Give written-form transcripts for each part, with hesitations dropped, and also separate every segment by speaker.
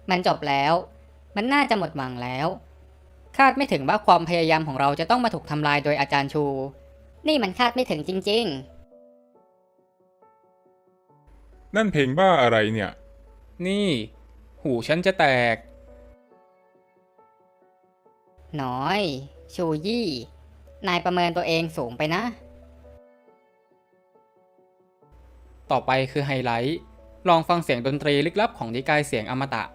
Speaker 1: มันจบแล้วมันน่าจะหมดหวังแล้วคาดไม่ถึงว่าความพยายามของเราจะต้องมาถูกทำลายโดยอาจารย์ชูนี่มันคาดไม่ถึงจริง
Speaker 2: นั่นเพลงบ้าอะไรเนี่ย
Speaker 3: นี่หูฉันจะแตก
Speaker 1: ๆน้อยชูยี่นายประเมินตัวเองสูงไปนะ
Speaker 3: ต่อไปคือไฮไลท์ลองฟังเสียงดนตรีลึกลับของนิกายเสียงอมตะ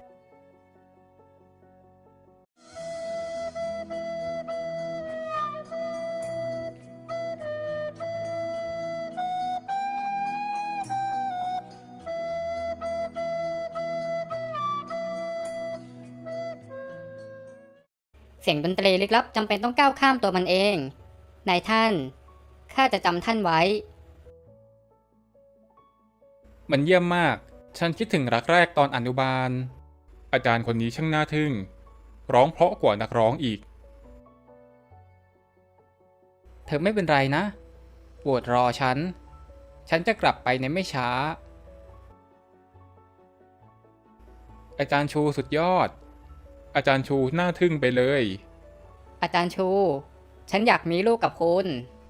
Speaker 1: เสียงดนตรีลึกลับจำเป็นต้องก้าวข้ามตัวมันเองนายท่านข้าจะจำท่านไว้
Speaker 3: มันเยี่ยมมากฉันคิดถึงรักแรกตอนอนุบาล
Speaker 2: อาจารย์คนนี้ช่างน่าทึ่งร้องเพราะกว่านักร้องอีก
Speaker 3: เธอไม่เป็นไรนะโปรดรอฉันจะกลับไปในไม่ช้า
Speaker 2: อาจารย์ชูสุดยอดอาจารย์ชูน่าทึ่งไปเลย
Speaker 1: อาจารย์ชูฉันอยากมีลูกกับคุณ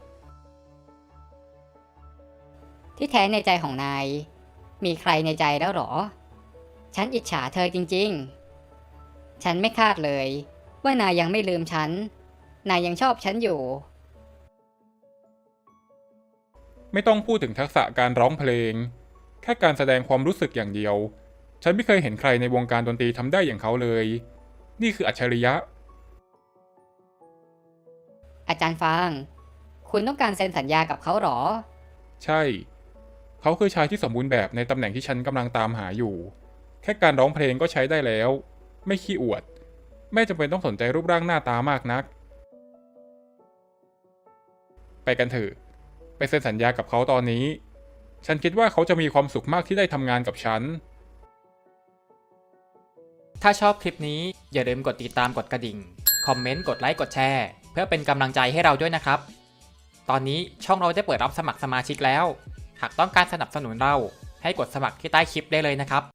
Speaker 1: ที่แท้ในใจของนายมีใครในใจแล้วหรอฉันอิจฉาเธอจริงๆฉันไม่คาดเลยว่านายยังไม่ลืมฉันนายยังชอบฉันอยู่
Speaker 2: ไม่ต้องพูดถึงทักษะการร้องเพลงแค่การแสดงความรู้สึกอย่างเดียวฉันไม่เคยเห็นใครในวงการดนตรีทำได้อย่างเขาเลยนี่คืออัจฉริยะ
Speaker 1: อาจารย์ฟางคุณต้องการเซ็นสัญญากับเขาหรอ
Speaker 2: ใช่เขาคือชายที่สมบูรณ์แบบในตำแหน่งที่ฉันกำลังตามหาอยู่แค่การร้องเพลงก็ใช้ได้แล้วไม่ขี้อวดไม่จำเป็นต้องสนใจรูปร่างหน้าตามากนักไปกันเถอะไปเซ็นสัญญากับเขาตอนนี้ฉันคิดว่าเขาจะมีความสุขมากที่ได้ทำงานกับฉัน
Speaker 3: ถ้าชอบคลิปนี้อย่าลืมกดติดตามกดกระดิ่งคอมเมนต์กดไลค์กดแชร์เพื่อเป็นกำลังใจให้เราด้วยนะครับตอนนี้ช่องเราได้เปิดรับสมัครสมาชิกแล้วหากต้องการสนับสนุนเราให้กดสมัครที่ใต้คลิปได้เลยนะครับ